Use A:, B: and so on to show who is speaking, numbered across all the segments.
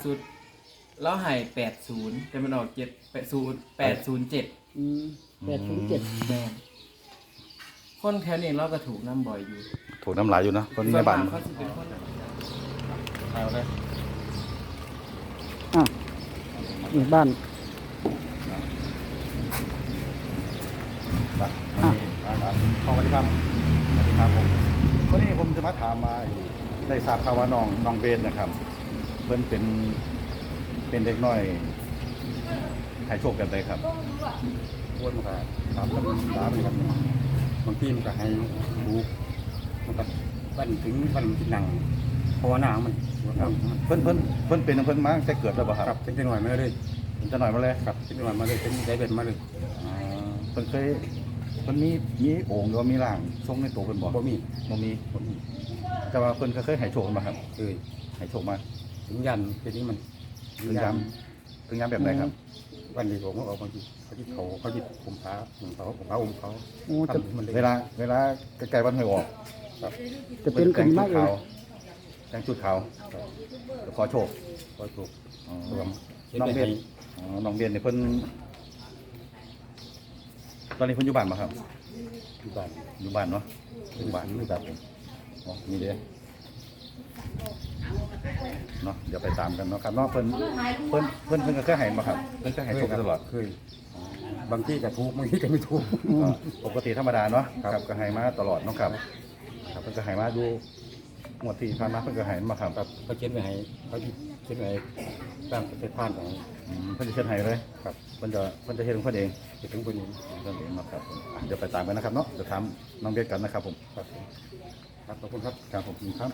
A: สุดแล้วหาย80แต่มันออก807
B: 807
A: แม่นคนแถวนี้เราก็ถูกน้ำบ่อยอยู่
C: ถูกน้ำลายอยู่นะคนในบ้าน
A: ส่วมกเขาสิเป็นคนเอาเลย
B: นี่บ้าน
C: สวัสดีครับสวัสดีครับผมวันนี้ผมจะมาถามมาได้ทราบข่าวว่าน้องเบนนะครับ เพิ่นเป็นเด็กน้อยให้โชคกันเลยครับ
D: อ้วนมันก็ตามกันตามกันบางทีมันก็ให้ดูมันก็วันถึงวันที่นั่งภาวนามัน
C: ครับเพิ่นเป็นมาตั้งแต่เกิดแล้วบ่ครับ
D: ครับเป็นจังหน่อยมาเลย
C: เป็นจะหน่อยมาเลย
D: ครับเป็นจังหน่อยมาเลยเป็นได้เป็นมาเลย
C: เพิ่นเคยเพิ่นมีโอ่งหรือว่ามีร่างทรงในตัวเพิ่นบ่
D: บ่มี
C: บ่มีแต่ว่าเพิ่นก็เคยให้โชคมาครับ
D: เคย
C: ให้โชคมา
D: ถึงยันเป็นนี้มัน
C: ถึงย้ำแบบไหนครับ
D: วันนี้ผมก็ออกบางทีเขาที่ผมพาผมเขา
B: โอ้จะ
D: ทำมันเลย
C: เวลาใกล้ๆวันหวยออก
D: ครับ
B: จะเป็นกันมากเลย
C: แต่งชุดขาวขอโชค
D: ก็ถูก
C: อ๋อ
D: รวม
C: น้องเบนน้องเบนเนี่ยเพิ่นตอนนี้เพิ่นอยู่บ้านป่ะครับ
D: ที่บ้าน
C: อยู่บ้านเนาะอยู่บ้านครับผมอ๋อมีเด้เนาะเดี๋ยวไปตามกันเนาะครับเนาะเพิ่นก็เคยให้มาครับเพิ่นก็ให้โชคกันตลอด
D: เคยบางที่ก็ถูกบางที่ก็ไม่ถูก
C: ก็ปกติธรรมดาเนาะครับก็ให้มาตลอดเนาะครับครับเพิ่นก็ให้มาดูงวดที่ผ่านมาเพิ่นก็ให้มาครับ
D: ครับเขาเขียนไว้ให้เขาเขียนไว้ตั้งประเทศผ่านของ
C: เพิ่นจะเชิญให้เลย
D: ครับ
C: เพิ่นจะเฮ็ดของเพิ่นเอง
D: ไปถึงคนนี้
C: เพิ่นเองนะครับผมเดี๋ยวไปตามกันนะครับเนาะเดี๋ยวถามน้องเบนกันนะครับผม
D: ครับครับขอบคุณครับ
C: ครับผมครับ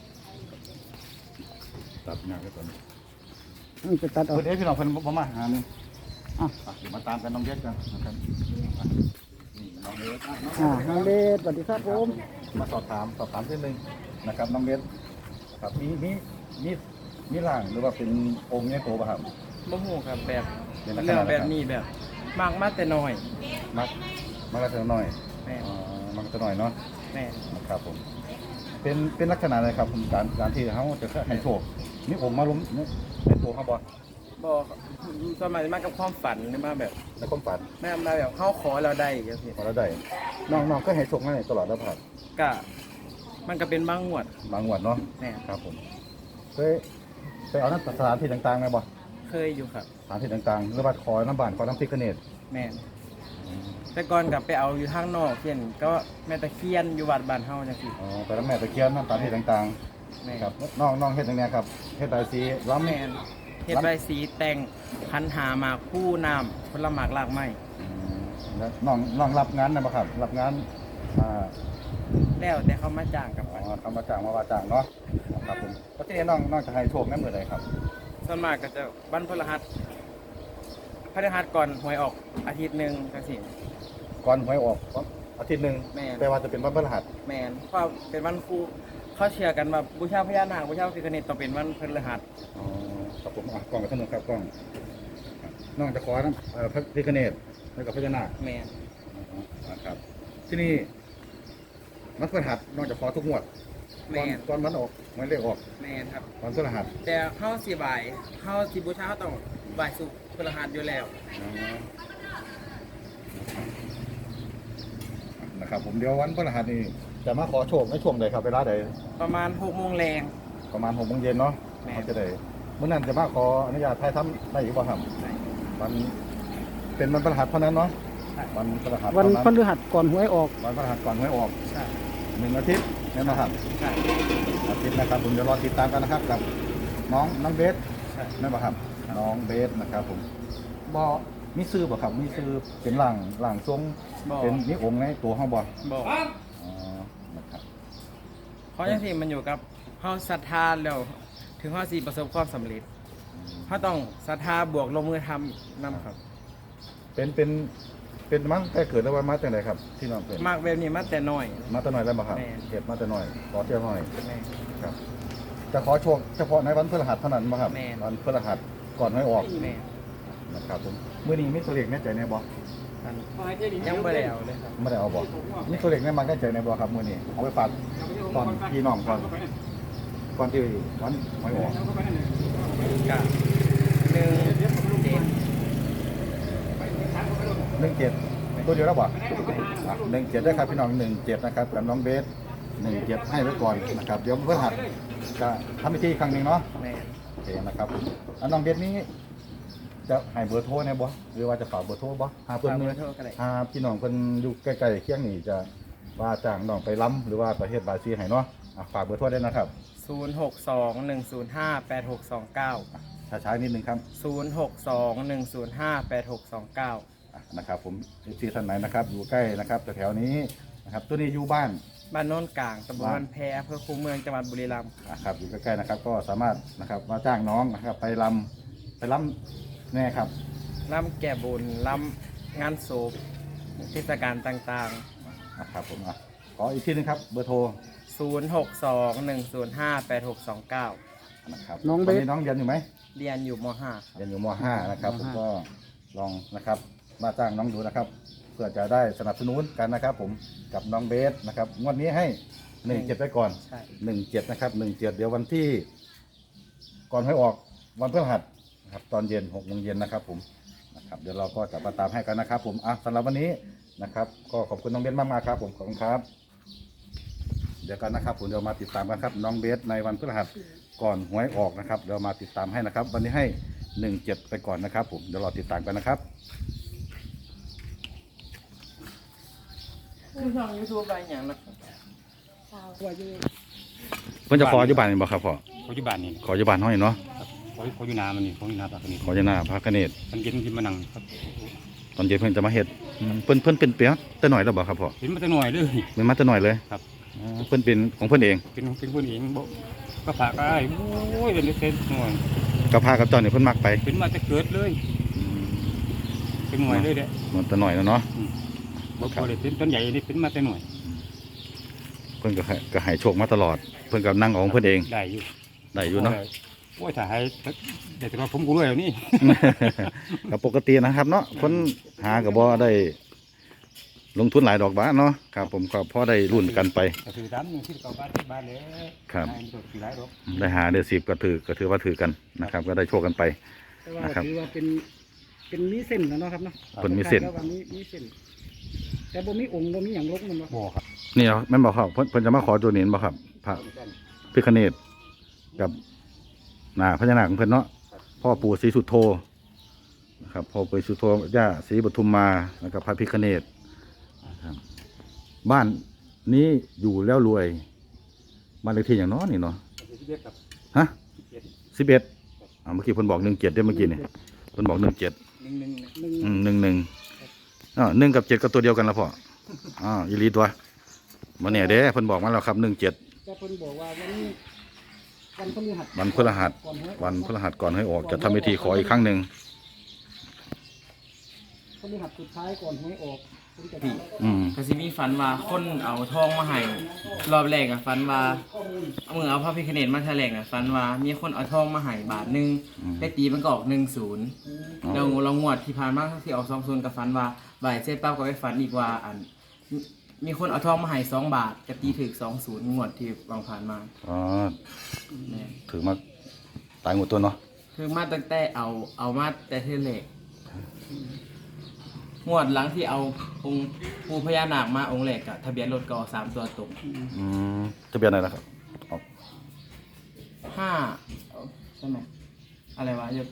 C: ตัดงานไว้ก่อน
B: นี่จะตัดเอา
C: เพิ่นพี่น้องเพิ่นบ่มาหานี่
B: อ่ะ
C: เดี๋ยวมาตามกันน้องเบนกันนะครับนี่น้องเบน
B: น้องเดชสวัสดีครับผม
C: มาสอบถามนิดนึงนะครับน้องเบนครับมีร่างหรือว่าเป็นองค์ในตัวป่ะครับ
A: บ่ฮู้ครับแบบ
C: เป็นลักษ
A: เรื่อ
C: ณะ
A: งแบบนี้แบบมากมาแต่น้อย
C: มักลักษณะหน่อย
A: แม่น
C: มักลักษณะหน่อยเนาะ
A: แม่น
C: นะครับผมเป็นลักษณะอะไรครับผมการที่เขาจะให้โชคนี่ผมมาล้มในตัวเขาบ่
A: บ่สมัยมากับความฝันหรือมาแบบ
C: ในความฝัน
A: แม่มาแบบเขาขอเราได้จังซี่
C: พอแล้วได้น้องก็ให้โชคมาตลอดแล้วครับ
A: ก็มันก็เป็นบางงวด
C: บางวันเนาะ
A: แม่น
C: ครับผมเคยไปเอาน้ำสถานที่ต่างๆไหมบ่
A: เคยอยู่ครับ
C: สถานที่ต่างๆหรือว่าขอน้ำบานขอน้ำพริกกระเนต
A: แม่นแต่ก่อนกลับไปเอาอยู่ทางนอกเช่นก็แม่ตะเคียนอยู่วัดบ้านเฮาจังซี่
C: อ๋อไปน้ำแม่ตะเคียนน้ำสถานที่ต่าง
A: แม่
C: ๆ
A: น
C: ครับน้องเฮ็ดอย่างเนี้ยครับเฮ็ดใบสีล้ำ
A: แม่นเฮ็ดใบสีแต่งพันหาหมากคู่น้ำผลหมากรากไม้
C: แล้วน้องรับงานนะบ่ครับรับงานอ่า
A: แล้วแต่เขามาจ้างกับ
C: อ๋
A: มัน
C: อทำมาจ้างมาว่าจ้างเนาะครับผมแล้วที่นี่น้องจะให้โชคแม่มื้อใดครับ
A: ส่วนมากก็จะวันพฤหัสก่อนหวยออกอาทิตย์หนึงจังซี่
C: ก่อนหวยออกอาทิตย์หนึง
A: แม่น
C: แต่ว่าจะเป็นวันพฤหัส
A: แม่นเพราะเป็นวันครูเขาเชื่อกันว่าบูชาพญานาคบูชาพระพิฆเนศต้องเป็นวันพฤหัส
C: อ๋อครับผมกล้องกับท่านนึงครับกล้องน้องจะขอน้ำพระพิฆเนศแล้วกับพญานาค
A: แม่น
C: นะครับที่นี่วันพฤหัสน้องจะขอทุกงวด
A: แม่น
C: ตอนวันออกวันเลขออก
A: แม่นครับ
C: วันพฤหัส
A: แต่เฮาสิบ่ายเฮาสิบูชาเฮาต้องบ่ายสุกร์พฤหัสอยู่แล้ว
C: นะครับผมเดี๋ยววันพฤหัสนี่จะมาขอโชคในช่วงใดครับเวลาใด
A: ประมาณ6 โมงแรง
C: ประมาณ6 โมงเย็นเนาะ
A: แม่
C: เขาจะได้เมื่อนั้นจะมาขออนุญาตถ่ายทำได้อีกบ่ครับวันเป็นวันพฤหัสเท่านั้นเนาะวันพฤหัส
B: วัน
C: เท่า
B: พฤหัสก่อนหวยออก
C: วันพฤหัสก่อนหวยออก
A: ใช่
C: 1 อาทิตย์นี่นะครับ
A: ใช่
C: อาทิตย์นะครับผมเดี๋ยวรอติดตามกันนะครับกับน้องเบส
A: ใช่
C: นั่นป่ะครับน้องเบสนะครับผมบ่มีซื้อบ่ครับมีซื้อเป็นหลังทรง
A: บ่
C: เป็นมีองค์ในตัวห้องบ่
A: บ่
C: อ๋อนะครับ
A: เพราะจังซี่มันอยู่กับเฮาศรัทธาแล้วถึงเฮาสิประสบความสำเร็จเฮาต้องศรัทธาบวกลงมือทำนำครับ
C: เป็นมั้งแต่เกิดแล้วว่ามาจากไหนครับที่น้องเป็น
A: มากแบบนี้มาแต่น้อย
C: มาแต่น้อยแล้วบ่ครับ
A: แม่
C: เก็บมาแต่น้อยขอเที่ยวหน่อย
A: แม่น
C: ครับจะขอโชคเฉพาะในวันพฤหัสเท่านั้นบ่ครับ
A: แม่น
C: วันพฤหัสก่อนหวยออก
A: แม่น
C: นะครับผมมื้อนี้มีตัวเลขแน่ใจแน่บ่
A: อันยังบ่ได้เอาเลยครับ
C: ไม่ได้เอาบ่มีตัวเลขแน่มาแน่ใจแน่บ่ครับมื้อนี้เอาไปฝากตอนพี่น้องก่อนที่วันหวยออก
A: กับ17
C: ตัวเดียวแล้วบ่17ได้ครับพี่น้อง17นะครับกับน้องเบส17ให้ไว้ก่อนนะครับเดี๋ยวเพื่อหัดจะทำพิธีอีกครั้งหนึงเนาะ
A: แม่น
C: โอเคนะครับแล้วน้องเบสนี้จะให้เบอร์โทรเนี่ยบ่หรือว่าจะฝากเบอร์โทรบ่หาเพิ่น
A: ฝาก
C: เนี่
A: เบอย ร์โทรก็ได้
C: พี่น้องเพิ่นอยู่ใกล้ๆเคียงนี่จะว่าจ้างน้องไปล้ำหรือว่าประเทศบราซิลให้เนาะฝากเบอร์โทรได้นะครับ
A: 0621058629
C: ช้าๆนิดนึงครับ
A: 0621058629
C: นะครับผมที่ท่านไหนนะครับอยู่ใกล้นะครับแถวๆนี้นะครับตัวนี้อยู่บ้าน
A: บ้านโน้นกลางตำบลบ้านแพอำเภอคูเมืองจังหวัดบุรีรัมย์
C: ครับอยู่ใกล้ๆนะครับก็สามารถนะครับมาจ้างน้องนะครับไปล้ำแน่ครับ
A: ล่ำแก่บุญล่ำงานศพเทศกาลต่าง
C: ครับผมขออีกทีนึงครับเบอร์โทร
A: ๆ 0621058629
C: นะครับ
B: น้องเบส
C: ตน้องเรียนอยู่ไหม
A: เรียนอยู่ม
C: เรียนอยู่ม .5 นะครับ
B: ม
C: ผม
B: ห้า
C: ก็ลองนะครับมาจ้างน้องดูนะครับ เพื่อจะได้สนับสนุนกันนะครับ ผมกับน้องเบสนะครับงวดนี้ให้17ไปก่อน
A: .5 ใช่
C: 17นะครับ17เดี๋ยววันที่ก่อนให้ออกวันพฤหัสนะครับตอนเย็น6 โมงเย็นนะครับผมนะครับเดี๋ยวเราก็จะมาตามให้กันนะครับ ผมสำหรับวันนี้นะครับ ก็ขอบคุณน้องเบสมากๆครับผมขอบคุณครับ เดี๋ยวกันนะครับผมเดี๋ยวมาติดตามกันครับน้องเบสในวันพฤหัสก่อนหวยออกนะครับเดี๋ยวมาติดตามให้นะครับ วันนี้ให้17ไปก่อนนะครับ ผมเดี๋ยวรอติดตามกันนะครับ
A: คือช่อง YouTube อะไรอย่างนั้น
B: ว่าอยู่
C: เพิ่นจะขออยู่บ้านนี่บ่ครับพ่อ
D: เขาอยู่บ้านนี่
C: ขออยู่บ้านห้อยเนาะ
D: เขาอยู่นามันนี่เขาอยู่นาปากนี่
C: ขออยู่หน้าพระกเนตร
D: มันเย็นที่มานั่งครับ
C: ตอนเย็นเพิ่นจะมาเฮ็ดเพิ่นเป็นเปียกแต่หน่อยแล้วบ่ครับพ่อ
D: เห็นมาแต่หน่อยเลย
C: มันมาแต่หน่อยเลย
D: ครับ
C: เพิ่นเป็นของเพิ่นเอง
D: เป็นคนเองบอกก็ฝากก็ได้โอ้ยเป็นเส้นหน่อย
C: กับพากับเจ้านี่เพิ่นมักไป
D: เป็นมาแต่เกิดเลยเป็นหน่วยเลยเด้
C: มันแต่หน่อยแล้วเนาะ
D: บอกพอเลยเป็นต้นใหญ่นี่เป็นมาแต่หน่วย
C: เพิ่นก็ให้โชคมาตลอด เพิ่นก็นั่งเอาของเพิ่นเอง
D: ได้อยู่
C: ได้อยู่เนาะ
D: โอ้ยถ้าให้แต่ว่าผมกูรวยแล้วนี่
C: ก็ปกตินะครับเนาะคนหาก็บ่ได้ลงทุนหลายดอกบาทเนาะครับผมก็พอได้รุ่นกันไป
D: ก็คือดำที่เก่าบ้านที่บ้านเลย
C: ครับ
D: ได้ตัวหลายดอก
C: ได้หาได้10ก็ถือว่าถือกันนะครับ ก็ได้โชคกันไป
B: แต่ว่า
C: นะครับ
B: ถือว่าเป็นมีเส้นแล้วเนาะครับเนาะ
C: เพิ่นมีเส้น
B: แล้วว่ามีเส้น แต่บ่มีองค์บ่มีหยังลกมันบ่
D: บ่ครับ
C: นี่เหรอแม่นบอกครับเพิ่นจะมาขอตัวนี้บ่ครับพระพิฆเนศกับหน้าพญานาคของเพิ่นเนาะพ่อปู่ศรีสุโธนะครับพ่อปู่ศรีสุโธย่าศรีปทุมมาแล้วก็พระพิฆเนศนะครับบ้านนี้อยู่แล้วรวยบ้านเลขที่อย่างน้อยนี่เนาะ
D: ที่เรียกกับ
C: ฮะ
D: เจ็ด
C: 11เมื่อกี้เพิ่นบอก17ได้เมื่อกี้นี่เพิ่นบอก17
A: 1 1
C: 1 1กับ7ก็ตัวเดียวกันละพ่ออีหลีตัวบ่แน่เด้เพิ่นบอกมาแล้วครับ17
B: แต่เพิ่นบอกว่าวันพฤหัส
C: วันพฤหัส
B: ก่อนหวย
C: วันพฤหัสก่อนให้ออกจะทำพิธีขออีกครั้งหนึ่ง
B: พฤหัสสุดท้ายก่อนหวยออกเพิ่นจะ
A: ก็สิมีฝันว่าคนเอาทองมาให้รอบแรกอะฝันว่าเอามือเอาพระพิฆเนศมาแถลงอะฝันว่ามีคนเอาทองมาให้บาทหนึงไปตีมันก็ออก10แล้วเรางวดที่ผ่านมาที่ออก20กับฝันว่าบ่ายเสร็จปั๊บก็ไปฝันอีกว่ามีคนเอาทองมาให้2 บาทก็ตีถึก20งวดที่วางผ่านมา
C: อ๋อ
A: แม่น
C: ถือมาตายหมดตัวเนาะ
A: คือมาตั้งแต่เอามาแต่เทเลกงวดหลังที่เอาองค์ปูพญานาคมาองค์แรกกับทะเบียนรถก็3 ตัวตรง
C: จะเป็นอะไรนะครับออก
A: 5ใช่ไหมอะไรวะจะ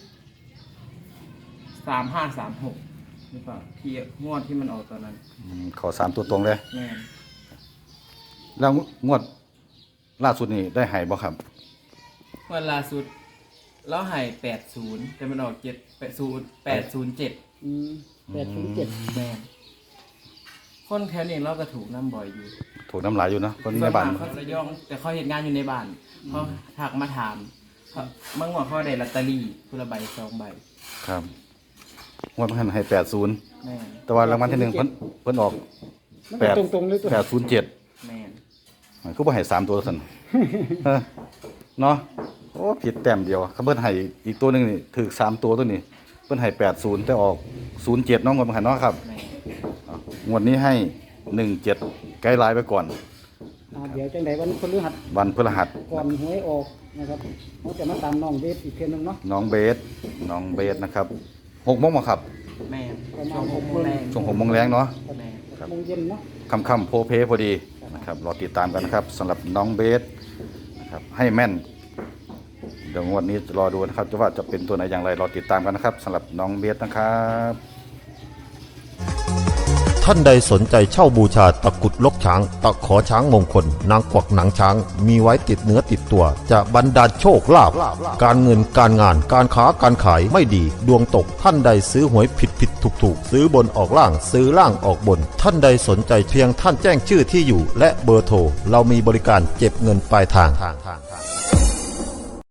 A: 3536หรือเปล่าที่งวดที่มันออกตอนนั้น
C: ขอ3ตัวตรงเลย
A: แม่น
C: แล้วงวดล่าสุดนี่ได้หายบ่ครับ
A: งวดล่าสุดเราให้80แต่มันออก807
B: 807
A: แม่นคนแถวนี้เราก็ถูกน้ำบ่อยอยู่
C: ถูกน้ำลายอยู่เนอะคน
A: ส่
C: ใน
A: วน
C: บ้าน
A: มากเขาจะย่องแต่เขาเห็นงานอยู่ในบ้านเขาถักมาถามเมื่อวานเขาได้ลอตเตอรี่คนละใบ2 ใบ
C: ครับงวดมันให้80
A: แม่น
C: แต่ว่ารางวัลที่1เพิ่นออก
B: มันก็ตรงๆเลยตัว
C: 807
A: แม่น
C: มันก็บ่ให้3ตัวซั่น เนาะโอ้ผิดแต้มเดียวเขาเพิ่นให้อีกตัวหนึงนี่ถูก3ตัวตัวนี้เพิ่นให้80แต่ออก07เนาะงวดมันหันเนาะครับ
A: แม่น
C: งวดนี้ให้17ไกด์ไลน์ไปก่อน
B: เดี๋ยวจังไดวันพฤหัส
C: วันพฤหัส
B: ก่อนหวยออกนะครับเราจะมาตามน้องเวทอีกเพียงนึงเนาะ
C: น้องเบสนะครับ6 โมงมาครับ
A: แม่น
B: ประมาณ
A: ช่วง
B: 6
A: 6
B: โม
A: โม
B: ง
A: งแรง
C: ช่วง6 โมงแรงเนาะ
A: แม่น
C: ครับ
B: 6 โมงเย็นเนาะ
C: ค่ำๆโพเพพอดีนะครับรอติดตามกันนะครับสำหรับน้องเบสนะครับให้แม่นเดี๋ยวงวดนี้รอดูนะครับว่าจะเป็นตัวไหนอย่างไรรอติดตามกันนะครับสำหรับน้องเบสนะครับ
E: ท่านใดสนใจเช่าบูชาตะกรุดลกช้าง ตะขอช้างมงคล นางกวักหนังช้าง มีไว้ติดเนื้อติดตัว จะบรรดาลโชคลาภการเงินการงานการค้าการขายไม่ดี ดวงตกท่านใดซื้อหวยผิดถูกซื้อบนออกล่างซื้อล่างออกบน ท่านใดสนใจเพียงท่านแจ้งชื่อที่อยู่ และเบอร์โทรเรามีบริการเก็บเงินปลายทาง